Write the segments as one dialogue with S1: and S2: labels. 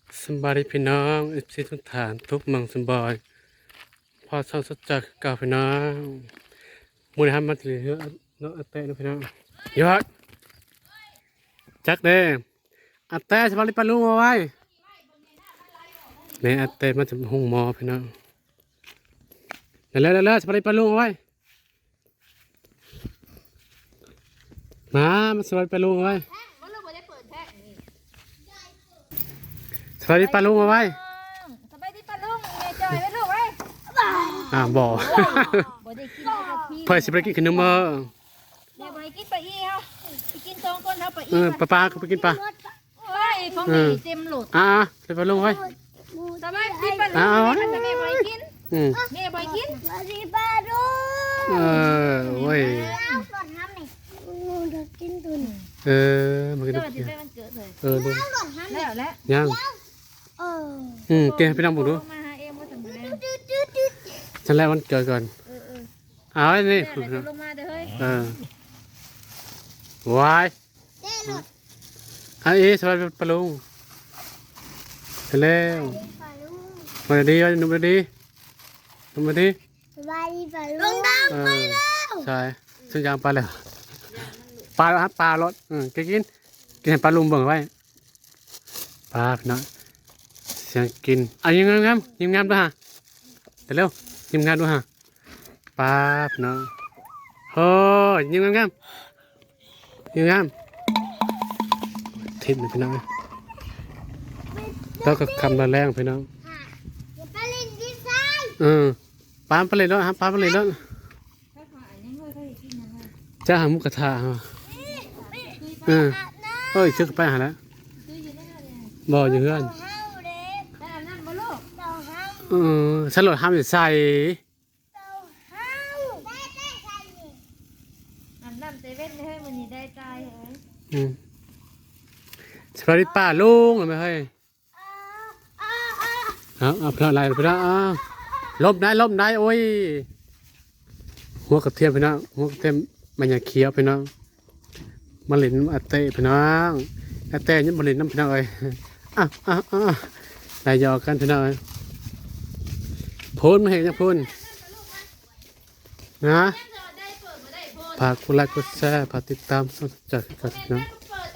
S1: สบายดีพี่น้องเอฟซีทุกฐานทุกเมังสบายพอช่องสดจากเก่าพี่น้องมูลนิธิมาถึงเนื้อเนื้อเตะนะพี่น้องยอดจักเด้อาเต้สบายดีปลาลุงเอาไว้เนี่ยอาเต้มาจากห้องหมอพี่น้องเร็วสบายดีปลาลุงเอาไว้มาสบายดีปลาลุงเอาไว้สบายดีปลาลุงเอาไว้
S2: สบายดีปะลุงแม่จอยไว้ลูกไว้
S1: บ่
S2: บ่ได้กินกับพี่
S1: เพื่อสิไปกินขนมเมื่อ
S2: แม่บ่ให้กินปลาอีเฮาไปกินสองคนเฮาปลาอี
S1: ปลาก็ไปกินปลา
S2: โอ้ยของนี่เต็มโหลด
S1: ไปปลาลุงไว้
S2: สบายดีปะลุงแม่บ่ให้กินแม่บ่ให้กิน
S3: สวัสดีป้าลุง
S1: โว้ย
S3: สดน้ำนี่เดี๋ยวกินตุน
S1: มันก็
S2: เกิ
S1: ได้
S2: ดสิไปวันเกิดเลย
S1: ดู
S3: สดน้ำนี่
S2: แล้ว
S1: ยังเกพี่น้องผมดู
S2: มาหาเองบ่ทันแล้ว
S1: ฉันแรกวันเกิดก่อนเอาไอ้นี่
S2: เดี๋ยวลงมาเด้อเฮ้ยว
S1: ายอันนี้สวัสดีปลาลุงไปแล้วมาดีว่าหนุ่มดีหนุ่มดี
S3: สวัสดีป้าลุงดำไปแล้ว
S1: ใช่ซึ่งยางปลาแล้วปลาครับปลารถกินให้ปลาลุงเบิ่งไว้ปลาพี่น้องเสียงกินยิ้มงามด้วยฮะเร็วยิ้มงามด้วยฮะปลาพี่น้องโอ้ยิ้มงามทิพย์พี่น้องแล้วก็คำละแรงพี่น้อง
S3: ปลาลินดีไซน์
S1: ปลาไปเลยแล้วครับปลาไปเลยแล้วจะหามุกกระทะเอ้ยชื่อไปหาแล้วบ่อยู่เพื่อนสลดห้ามอยู่ใส่
S2: น้ำเซเว่นให้มันนี่ได้ตายเฮ้ย
S1: สวัสดีป้าลุงหรือไม่เฮ้ยเอาเพลอะไรไปแล้วลบได้โอ้ยหัวกระเทียมพี่น้องหัวกระเทียมมันอย่าเคี้ยวพี่น้องมะลินอาเต้พี่น้องอาเต้ยังมะลินน้ำพี่น้องเอ้ยได้ยอกันพี่น้องพูนมาเห็นยังพูนนะฝากกดไลค์กดแชร์ฝากติดตามสดจากกันพี่น้อง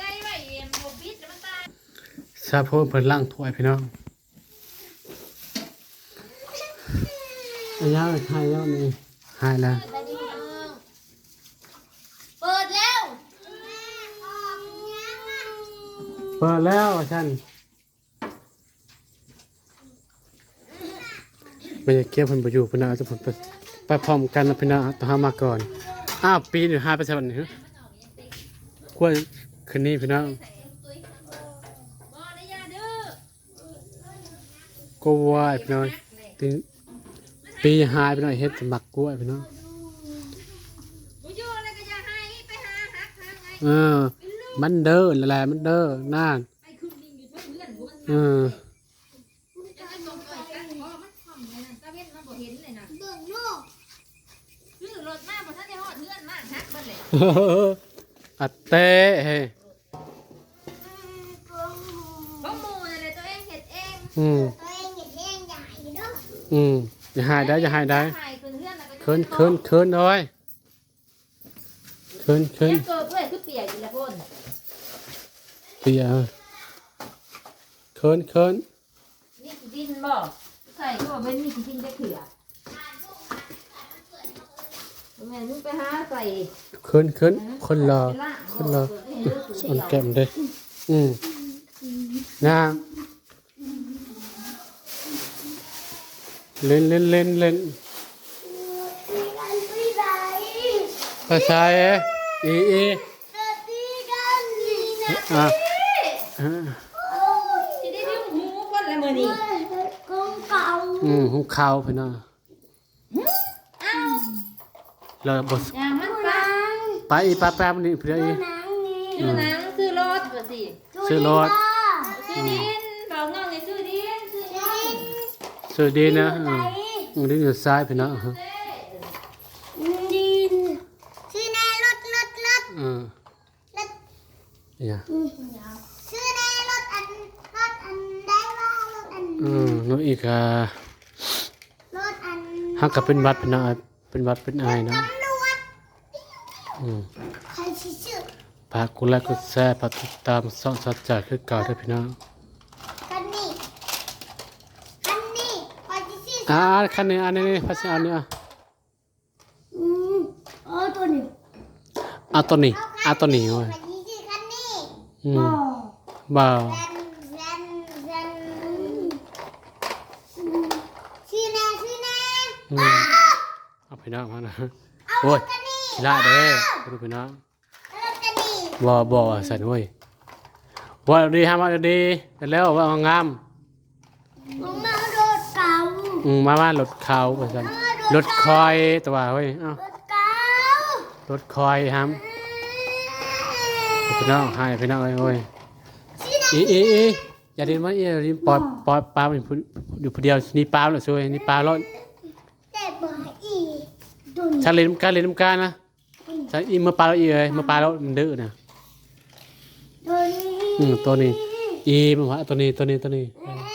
S1: ซาโพนเปิดล่างถ้วยพี่น้องยาวหายแล้วนี่หายแล้ว
S3: เปิดแล้ว
S1: ฉันไม่อยากเก็บคนไปอยู่พี่น้องจะผมไปพร้อมกันนะพี่น้องต้องหามาก่อนปีนอยู่5%นี่กล้วยคืนนี้พี่น้องก็วายพี่น้องปีหายพี่น้องเฮ็ดสมักกล้วยพี่น้องมันเด้ออะไรมันเด้อน่าอัดเต้เฮ้
S2: บ่หมู่เลยตัวเองเฮ็ดเอง
S3: ตัวเองอย่าแย่งใหญ่เนาะ
S1: อย่าหายได้เคินเลยเคิน
S2: เกิดเพื่อนคือเปียกอยู่ละพ่น
S1: เปียเคิน
S2: นี่ดินบ่ใส่ก็ไม่มีดินจะเขือแม่มึงไปหาใส่
S1: เคินคนรอสอนแก้มเด้นะเล่นภาษาอี
S2: ที่ได้ดึงหูคนละมื้อนี้
S1: หูข่าวพี่น้องเราบดไปปลามันนี่เพื่อ
S2: ซื้อหนังซื้อรถก็สิ
S1: ซื้อรถ
S2: ซื้อดินบอกน้องให้ซื้อดิน
S1: ซื้อดินนะดินอยู่ซ้ายพี่น้อง
S3: ดินชื่อแน่รถ
S1: เนี่ย
S3: ชื่อแน่รถอันได้ว่า
S1: น้องอีก
S3: รถอัน
S1: ฮักกับเป็นวัดเป็นอาเป็นวัดเป็นอายเนาะ
S3: ตำรวจ
S1: อืม
S3: ใครชื่อ
S1: ฝากกดไลค์กดแชร์ฝากติดตามส่องสัจจะคือเก่าด้วยพี่น้อง
S3: คันนี้ใครชื่อ
S1: คันนี้อันนี้ภาษาอันนี้
S3: ตัวนี้
S1: เอาตัวนี้เอาตัวนี้เว้ย
S3: ใครชื่อคันนี้
S1: อืมบ่าว
S3: แรนชื่อแน่
S1: อืมเอาพี่น้องมานะโอ้ยสิละเด้ดูพี่น้อง
S3: รถคันนี้
S1: บ่สั่นเว้ยว่าดีฮะมาดีแล้วว่างาม
S3: มารถเก่า
S1: มารถเขาว่าซั่นรถคอยตัวเว้ยเอ้าร
S3: ถเก่าร
S1: ถคอยฮัมพี่น้องให้พี่น้องเอ้ยโอ้ยอีอย่าดินมาดินปล่อยปลาอยู่ผู้เดียวนี่ปลาแล้วซวยนี่ปลารถ
S3: แต่บ่อีตัวนี้
S1: ฉันเล่นน้ำกันนะฉันอีมาปลาแล้วอีเอ้ยมาปลาแล้วมันดื้อนะ ตัวนี้อีมันว่าตัวนี้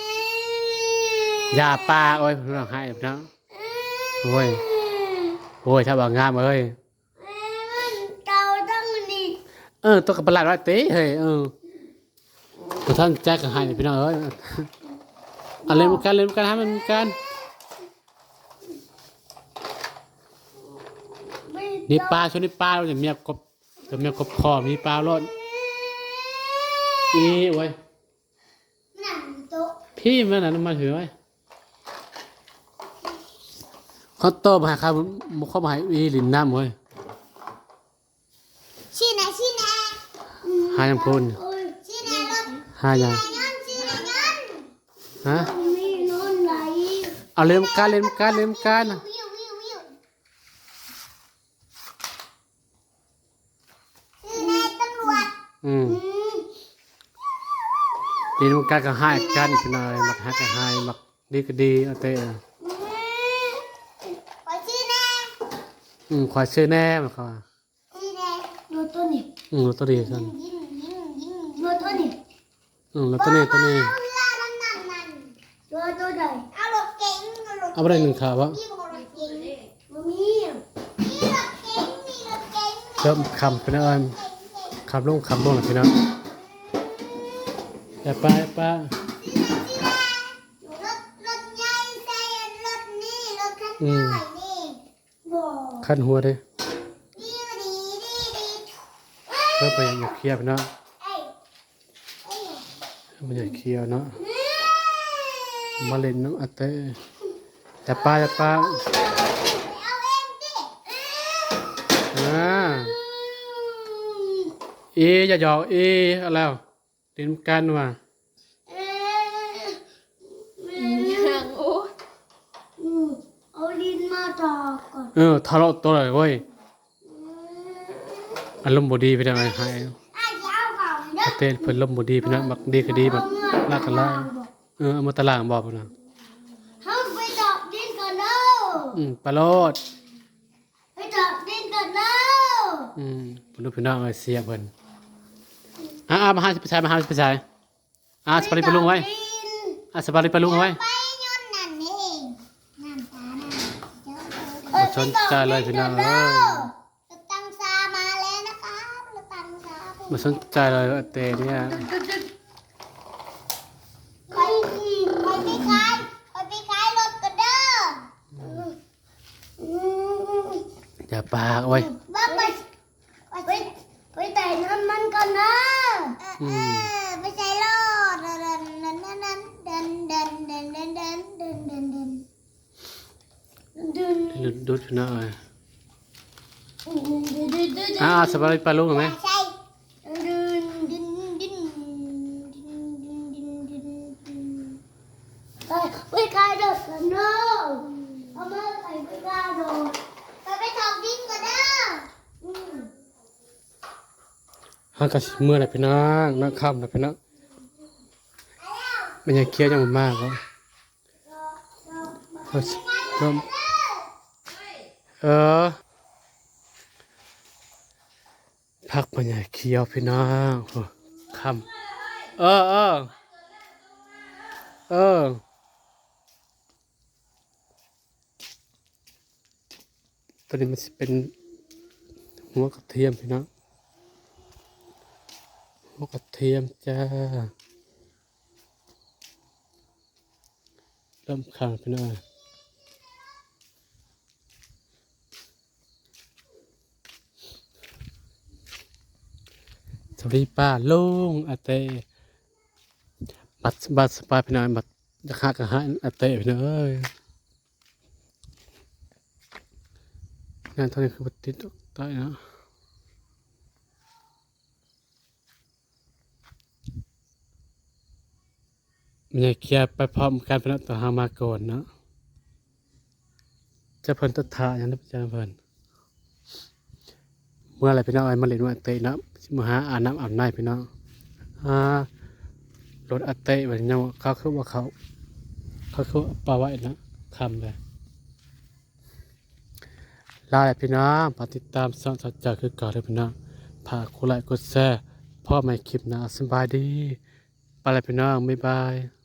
S1: อย่าปลาโอ้ยพี่น้องให้พี่น้องโอ้ยถ้าบอกงามเอ้ย
S3: เก่าตั้งนี่
S1: ตัวกับประหลาดว่าเต้เฮ้ยตัวท่านแจ็คก็ให้พี่น้องเอ้ยเล่นกันให้มันกันนี่ปลาชนิดปลาเราจะเมียกบคอมีปลารถอีโอ้ย
S3: หนังโต๊ะ
S1: พี่มันน่ะมาถือไว้เขาโตมาครับเข้ามาให้อีหลินน้ำเว้ย
S3: ชี้ไหน
S1: หายังพูน
S3: ชี้ไหนรถ
S1: หายัง
S3: ชี้ไหนเงิน
S1: ฮะ
S3: มีนอนไหล
S1: เอาเล่นกัน
S3: วิวชี้ไหนตำรวจ
S1: เล่นกันก็ให้กันเป็นอะไรมักฮักก็ให้มักดีก็ดีเอาเต้
S3: ขอชี้ไหน
S1: ขอชื่อแน่มันเขา
S3: ชี้ไหนรถตัวนี้
S1: ตัวดีกัน
S3: รถตัวนี้
S1: แล้วตัวนี้
S3: เอาเรือนั่นรถตัวใดเอารถเก๋ง
S1: เอาไปได้หนึ่งขาวะ
S3: มีรถเก๋งมีรถเก๋ง
S1: เริ่มคำเป็นอะไรคำลงหน่อยพี่น้องอย่าป้าร
S3: ถใหญ่ใส่รถนี่รถคันน้อยนี่บ่
S1: ขั้นหัวเลย
S3: ดี
S1: เริ่มไปอยากเคลียร์พี่น้อง
S3: เอ้ย
S1: มันอยากเคลียร์เนาะมาเล่นน้ำอัตเต้อย่าป้า
S3: เอาเองดิ
S1: อย่าหยอกอะไรแล้วเล่นกันว่ะ
S2: อย่างโอ้
S3: เอาลิ้นมาต่อก่อน
S1: ทะเลาะตัวเลยเว้ยอารมณ์บดีไปทางไหนหาย
S3: เอาก่อนเด้อ
S1: เต้เพิ่นลมณ์บดีพี่น้องมักดีก็ดีแบบลากกันล่าเอามาตารางบอกพี่น้อง
S3: เอาไปดอกดินก่อนเด้อ
S1: ปลาโลด
S3: ไปดอกดินก่อนเด้อ
S1: เพิ่นดูพี่น้องเอ้ยเสียเพิ่นมาหาสิไปใช้สปาริปลาลุงไว้สปาริปลาลุงไว้
S3: ไปย้อนนั่นเองน้ำตาน่ะ
S1: บ่สนใจเลยพี่น้องเอ้ย
S3: รถตังซามาแล้วนะครับรถตังซา
S1: บ่สนใจเลยเต้เนี่ย
S3: ไปขายรถกันเด้อ
S1: อย่าปากเว้ย
S3: บ้าไปแต่น้ำมันก่อนนะไปใส่รถเดิน
S1: ดูพี่น้องเอ้ยสปาริปลาลุงไหม
S3: ใช่ไปขายรถกันเด้อเอามาไปขายรถไปถอกดินก่อนเด้อ
S1: ฮักกะเมื่อไหร่พี่น้องนักค่ำนะพี่น้องมันยังเครียดยังมากวะพักมันยังเคี้ยวพี่น้องค่ำตัวนี้มันสิเป็นหัวกระเทียมพี่น้องหัวกระเทียมจ้าเริ่มข้างพี่น้องสวัสดีป้าลุงอาเต้บัตรสปายพี่น้องบัตรจะฆ่ากระหายอาเต้พี่น้องเอ้ยงานตอนนี้คือบัตรติดต่อยนะมันอยากเคลียร์ไปพร้อมกันพี่น้องต่อหามาก่อนเนาะจะเพิ่นตัดทาอย่างนั้นจะเพิ่นเมื่อไรพี่น้องไอ้มาเล่นว่าอาเต้เนาะมาหาอาบน้ำอาบในพี่น้องรถอาเต้แบบนี้เขาคือว่าเขาคือปลาไว้นะคำเลยลาแหละพี่น้องฝากติดตามช่องสัจจะคือเก่าเลยพี่น้องฝากกดไลค์กดแชร์พ่อใหม่คลิปนะสบายดีไปเลยพี่น้องบ๊ายบาย